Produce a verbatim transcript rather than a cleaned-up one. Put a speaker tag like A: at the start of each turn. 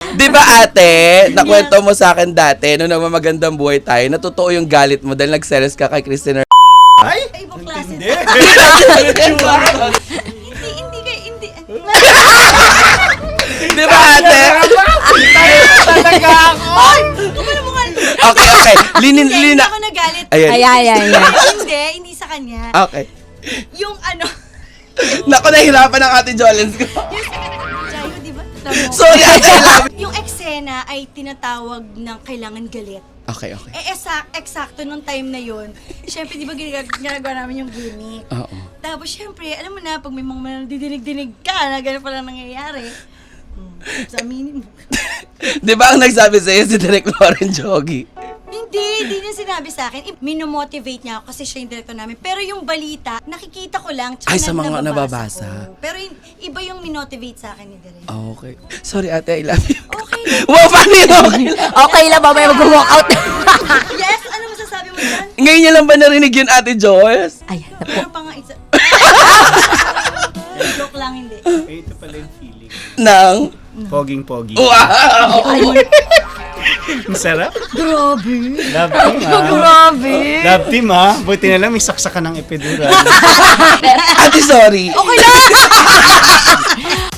A: Di ba ate, nakwento mo sa akin dati, nung nagmamagandang buhay tayo, na totoo yung galit mo dahil nagselos ka kay Christina.
B: Ay!
C: Ibang klase.
B: Hindi!
C: Hindi, hindi kayo, hindi.
A: Di ba ate?
B: Talaga ako!
C: Ay! Kumala mo ka.
A: Okay, okay. Linin,
C: Hindi, hindi
A: lina.
C: ako nagalit.
A: Ayan.
D: Ay, ay, ay, ay.
C: Hindi, hindi sa kanya.
A: Okay.
C: Yung ano,
A: Naku, nahirapan ang ate Jolens ko.
C: Jayo, di ba? Tamo.
A: Sorry, ate, I love you.
C: Yung eksena ay tinatawag ng kailangan galit.
A: Okay, okay.
C: Eh, esak, eksakto nung time na yun, syempre, di ba ginag- ginagawa namin yung gimmick?
A: Oo.
C: Tapos, syempre, alam mo na, pag may mga didinig-dinig ka, na gano'n pala nangyayari, hmm, sa minimum.
A: Di ba ang nagsabi sa'yo si Direk Lauren Jogi?
C: Hindi, hindi niya sinabi sa akin. Minomotivate niya ako kasi siya yung director namin. Pero yung balita, nakikita ko lang. tsaka
A: Ay, sa
C: na-
A: mga nababasa.
C: ko. Pero yung, iba yung minotivate sa akin ni Direk.
A: Okay. Sorry ate, I love you.
C: Okay lang.
A: Wow, paano yun? Okay lang.
D: Okay lang, mamaya mag-walk out.
C: Yes, ano masasabi mo dyan?
A: Ngayon niya lang ba narinig yun, ate Joyce?
D: Ayan na po.
C: Meron pa nga isa. Joke lang, hindi.
B: Eh, ito pala yung feeling.
A: Nang?
B: Poging-pogi.
A: Wow!
B: Ang sarap.
C: Grabe.
B: Love team, ah.
D: Grabe.
B: Love team, ah. Buti na lang may saksakan ng epidural.
A: Ate, sorry.
D: Okay lang.